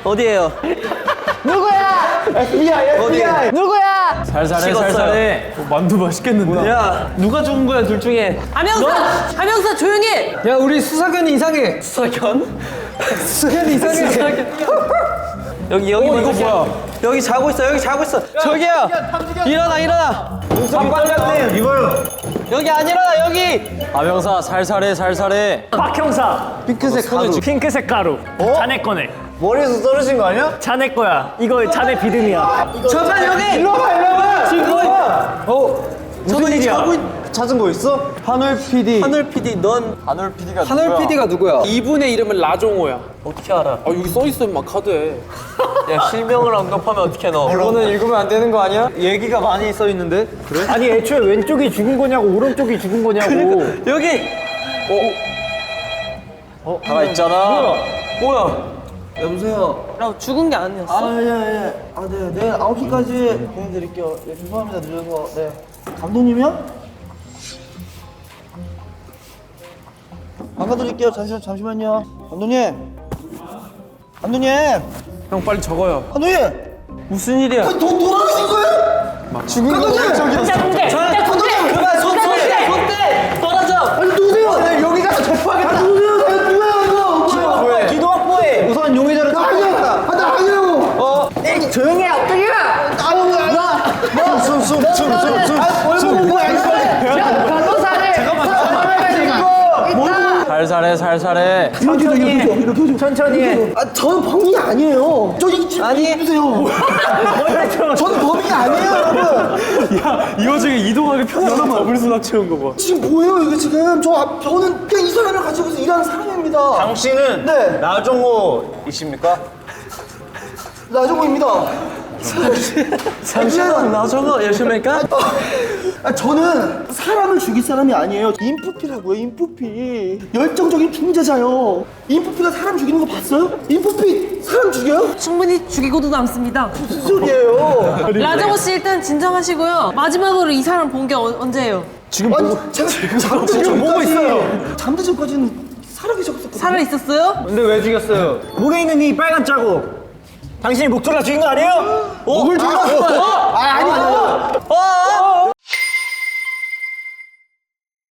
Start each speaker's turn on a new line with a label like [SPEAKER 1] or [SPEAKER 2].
[SPEAKER 1] 어디에요?
[SPEAKER 2] 누구야? FBI. 누구야?
[SPEAKER 3] 살살해 살살해.
[SPEAKER 4] 만두 맛있겠는데?
[SPEAKER 1] 야, 누가 죽은 거야, 둘 중에?
[SPEAKER 5] 하명사 조용히 해.
[SPEAKER 2] 야 우리 수사견이 이상해.
[SPEAKER 1] 수사견?
[SPEAKER 2] 수사견이 이상해.
[SPEAKER 1] 여기
[SPEAKER 4] 이거
[SPEAKER 1] 먼저
[SPEAKER 4] 뭐야?
[SPEAKER 1] 여기 자고 있어, 여기 자고 있어. 저기요! 일어나!
[SPEAKER 4] 반장님 이거요.
[SPEAKER 1] 여기 안 일어나, 여기!
[SPEAKER 3] 아명사 살살해 살살해.
[SPEAKER 4] 박 형사.
[SPEAKER 2] 핑크색 가루.
[SPEAKER 4] 핑크색 가루. 자네 거네.
[SPEAKER 6] 머리에서 떨어진 거 아니야?
[SPEAKER 4] 자네 거야. 이거 자네 비듬이야.
[SPEAKER 1] 잠깐, 여기!
[SPEAKER 6] 일로 와봐.
[SPEAKER 1] 지금 저도 이 자고 있...
[SPEAKER 6] 찾은 거 있어?
[SPEAKER 2] 하늘 PD.
[SPEAKER 1] 하늘 PD, 넌
[SPEAKER 3] 하늘 PD가
[SPEAKER 2] 하늘 PD가 누구야?
[SPEAKER 7] 이분의 이름은 라종호야.
[SPEAKER 1] 어떻게 알아?
[SPEAKER 7] 아 여기 써 있어 막 카드에.
[SPEAKER 1] 야, 실명을 언급하면 어떻게 너?
[SPEAKER 2] 이거는 읽으면 안 되는 거 아니야?
[SPEAKER 6] 얘기가 많이 써 있는데. 그래?
[SPEAKER 4] 아니 애초에 왼쪽이 죽은 거냐고 오른쪽이 죽은 거냐고.
[SPEAKER 1] 여기!
[SPEAKER 3] 하나 있잖아.
[SPEAKER 1] 뭐야?
[SPEAKER 6] 여보세요.
[SPEAKER 5] 나 죽은 게 아니었어.
[SPEAKER 6] 예. 네. 내일 9시까지 보내드릴게요. 예, 죄송합니다. 늦어서. 네. 감독님이요? 바꿔드릴게요. 잠시만요. 감독님.
[SPEAKER 7] 형 빨리 적어요.
[SPEAKER 6] 감독님.
[SPEAKER 1] 무슨 일이야?
[SPEAKER 6] 더 놀아주신 거예요?
[SPEAKER 2] 죽은 거
[SPEAKER 5] 공대.
[SPEAKER 1] 그만, 손대! 떨어져!
[SPEAKER 6] 아니 누구세요? 여기 가서 대포하겠다. 누구세요? 누구야 이거?
[SPEAKER 1] 기도 확보해!
[SPEAKER 6] 우선 용의자를 찾아야겠다. 나 아니에요.
[SPEAKER 2] 조용히 해 엎드려.
[SPEAKER 6] 숨. 뭐야 이거?
[SPEAKER 3] 살살해.
[SPEAKER 6] 천천히 해. 저는 범인이 아니에요. 저 이거 지금 보세요. 저는 범인이 아니에요, 여러분.
[SPEAKER 4] 이 와중에 이동하기 편하게 더블 수납 채운 거 봐.
[SPEAKER 6] 지금 뭐예요, 이게 지금? 저는 그냥 이 사람을 가지고 일하는 사람입니다.
[SPEAKER 8] 당신은
[SPEAKER 6] 네.
[SPEAKER 8] 나종호이십니까?
[SPEAKER 6] 나정호입니다.
[SPEAKER 1] 잠시만, 나정호 여시입니까?
[SPEAKER 6] 저는 사람을 죽일 사람이 아니에요. 인프피라고요, 인프피. 열정적인 중재자요. 인프피가 사람 죽이는 거 봤어요? 인프피 사람 죽여요?
[SPEAKER 5] 충분히 죽이고도 남습니다.
[SPEAKER 6] 무슨 소리예요?
[SPEAKER 5] 라정호 씨 일단 진정하시고요. 마지막으로 이 사람 본 게 언제예요?
[SPEAKER 6] 아니, 제가 잠들 전까지 잠들 전까지는 살아계셨었거든요.
[SPEAKER 5] 살아 있었어요?
[SPEAKER 4] 근데 왜 죽였어요? 목에 있는 이 빨간 자국. 당신이 목 졸라 죽인 거 아니에요?
[SPEAKER 6] 목을 죽였어. 아니.